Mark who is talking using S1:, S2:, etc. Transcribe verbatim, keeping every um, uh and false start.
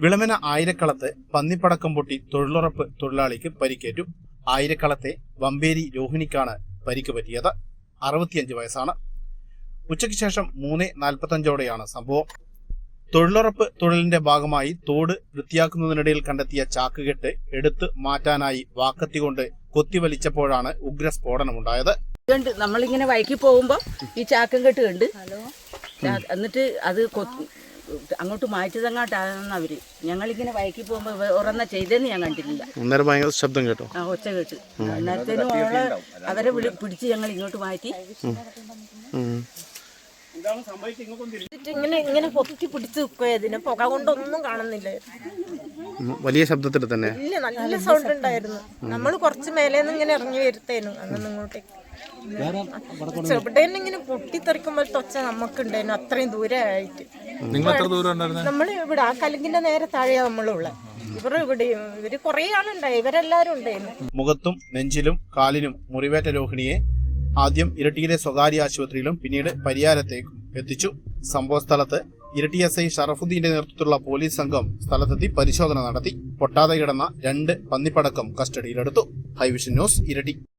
S1: വിളമന ആയിരക്കളത്ത് പന്നിപ്പടക്കം പൊട്ടി തൊഴിലുറപ്പ് തൊഴിലാളിക്ക് പരിക്കേറ്റു. ആയിരക്കളത്തെ വമ്പേരി രോഹിണിക്കാണ് പരിക്ക് പറ്റിയത്. അറുപത്തിയഞ്ച് വയസ്സാണ്. ഉച്ചയ്ക്ക് ശേഷം മൂന്ന് നാൽപ്പത്തഞ്ചോടെയാണ് സംഭവം. തൊഴിലുറപ്പ് തൊഴിലിന്റെ ഭാഗമായി തോട് വൃത്തിയാക്കുന്നതിനിടയിൽ കണ്ടെത്തിയ ചാക്കുകെട്ട് എടുത്തു മാറ്റാനായി വാക്കത്തി കൊണ്ട് കൊത്തിവലിച്ചപ്പോഴാണ് ഉഗ്രസ്ഫോടനമുണ്ടായത്.
S2: നമ്മളിങ്ങനെ വൈകി പോകുമ്പോ ഈ ചാക്കം കെട്ട് കണ്ട് എന്നിട്ട് അത് അങ്ങോട്ട് മാറ്റിയതങ്ങോട്ടാണെന്ന് അവര്. ഞങ്ങളിങ്ങനെ വൈകി പോകുമ്പോ ഉറന്ന ചെയ്തെന്ന് ഞാൻ കണ്ടിട്ടില്ല.
S1: അന്നേരം ഭയങ്കര ശബ്ദം കേട്ടോ.
S2: ആ ഒച്ച കേട്ട് അന്നേരത്തേനും അവളെ അവരെ പിടിച്ച് ഞങ്ങൾ ഇങ്ങോട്ട് മാറ്റി.
S3: ഇങ്ങനെ ഇങ്ങനെ പൊത്തി പിടിച്ച് നിൽക്കുകയതിന് പുക കൊണ്ടൊന്നും കാണുന്നില്ല.
S1: വലിയ ശബ്ദത്തിൽ തന്നെ
S3: ഇല്ല, നല്ല സൗണ്ട് ഉണ്ടായിരുന്നു. നമ്മൾ കുറച്ച് മേലേന്ന് ഇങ്ങനെ ഇറങ്ങി വരുത്തേനു അന്ന് ഇങ്ങോട്ടേക്ക്. ചെറുപ്പട്ടേന്ന് ഇങ്ങനെ പൊട്ടിത്തെറിക്കുമ്പോഴത്തെ ഒച്ച നമുക്കുണ്ടായിരുന്നു അത്രയും ദൂരമായിട്ട്. നമ്മൾ ഇവിടെ ആ കലുങ്കിന്റെ നേരെ താഴെയാ നമ്മളുള്ള. ഇവർ ഇവിടെ ഇവര് കുറെ ആളുണ്ടായി, ഇവരെല്ലാരും ഉണ്ടായിരുന്നു.
S1: മുഖത്തും നെഞ്ചിലും കാലിനും മുറിവേറ്റ രോഹിണിയെ ആദ്യം ഇരട്ടിയിലെ സ്വകാര്യ ആശുപത്രിയിലും പിന്നീട് പരിയാരത്തേക്കും എത്തിച്ചു. സംഭവ സ്ഥലത്ത് ഇരട്ടി എസ് ഐ ഷറഫുദ്ദീന്റെ നേതൃത്വത്തിലുള്ള പോലീസ് സംഘം സ്ഥലത്തെത്തി പരിശോധന നടത്തി. പൊട്ടാതെ കിടന്ന രണ്ട് പന്നിപ്പടക്കം കസ്റ്റഡിയിലെടുത്തു. ഹൈവിഷൻ ന്യൂസ്, ഇരട്ടി.